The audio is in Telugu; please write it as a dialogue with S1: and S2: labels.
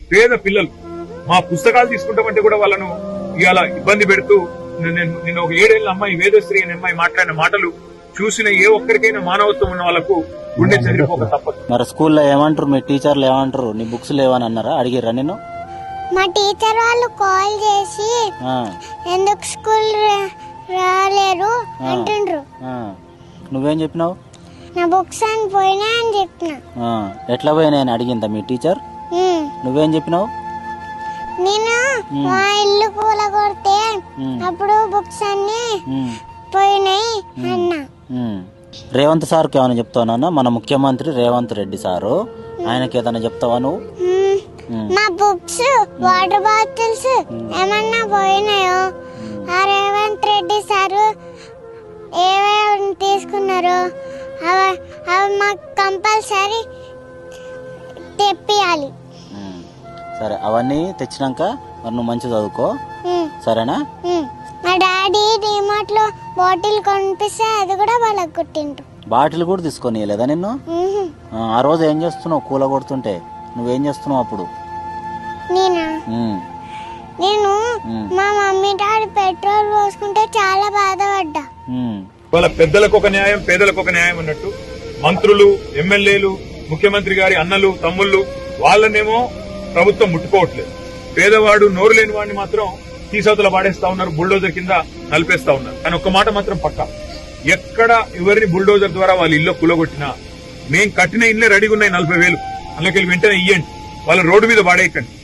S1: పేద పిల్లలు మా పుస్తకాలు తీసుకుంటామంటే కూడా వాళ్ళను ఇవాళ ఇబ్బంది పెడుతూ నేను ఒక 7 ఏళ్ల అమ్మాయి వేదశ్రీ అనే అమ్మాయి మాట్లాడిన మాటలు చూసిన ఏ ఒక్కరికైనా మానవత్వం ఉన్న వాళ్ళకు గుండె చెదిరిపోక తప్పదు.
S2: మరి స్కూల్లో ఏమంటారు, మీ టీచర్లు ఏమంటారు? నీ బుక్స్ లేవని అన్నారా? అడిగిర్రా నేను?
S3: మా టీచర్ వాళ్ళు కాల్ చేసి ఎందుకు స్కూల్ రాలేరు అంటుండ్రు.
S2: నువ్వేం చెప్పినావు?
S3: నా బుక్స్ అని పోయినా అని చెప్పిన.
S2: ఎట్లా పోయినా అని అడిగిందా మీ టీచర్? నువ్వేం చెప్పినావు?
S3: నేను మా ఇల్లు కూలగొడితే అప్పుడు బుక్స్ అన్ని పోయినాయి అన్నా.
S2: రేవంత్ సార్కి ఏమైనా చెప్తావా? మన ముఖ్యమంత్రి రేవంత్ రెడ్డి సారు, ఆయనకి ఏదైనా చెప్తావా నువ్వు?
S3: మా బుక్స్ వాటర్ బాటిల్స్ ఏమన్నా పోయినాయో ఆ రేవంత్ రెడ్డి సారు ఏమేమి తీసుకున్నారు అవి మాకు కంపల్సరీ తెప్పియాలి.
S2: సరే, అవన్నీ తెచ్చినాక మరి నువ్వు మంచి చదువుకో, సరేనా?
S3: మా డాడీ డిమార్ట్ లో బాటిల్ కొనిపిస్తే అది కూడా వాళ్ళకి కుట్టిండ్రు.
S2: బాటిల్ కూడా తీసుకొని లేదా నిన్ను? ఆ రోజు ఏం చేస్తున్నావు? కూల కొడుతుంటే నువ్వేం చేస్తున్నావు అప్పుడు?
S3: నేను మా మమ్మీ డాడీ పెట్రోల్ పోసుకుంటే చాలా బాధపడ్డా.
S1: వాళ్ళ పెద్దలకు ఒక న్యాయం, పేదలకు ఒక న్యాయం అన్నట్టు మంత్రులు, ఎమ్మెల్యేలు, ముఖ్యమంత్రి గారి అన్నలు, తమ్ముళ్ళు వాళ్ళనేమో ప్రభుత్వం ముట్టుకోవట్లేదు. పేదవాడు, నోరు లేని వాడిని మాత్రం తీసవతల పాడేస్తా ఉన్నారు, బుల్డోజర్ కింద నలిపేస్తా ఉన్నారు. కానీ ఒక్క మాట మాత్రం పక్కా, ఎక్కడ ఎవరిని బుల్డోజర్ ద్వారా వాళ్ళ ఇల్లు కూలగొట్టినా మేం కట్టిన ఇల్లే రెడీగా ఉన్నాయి 40,000, అందులోకి వెంటనే ఇయ్యండి, వాళ్ళ రోడ్డు మీద పాడేయకండి.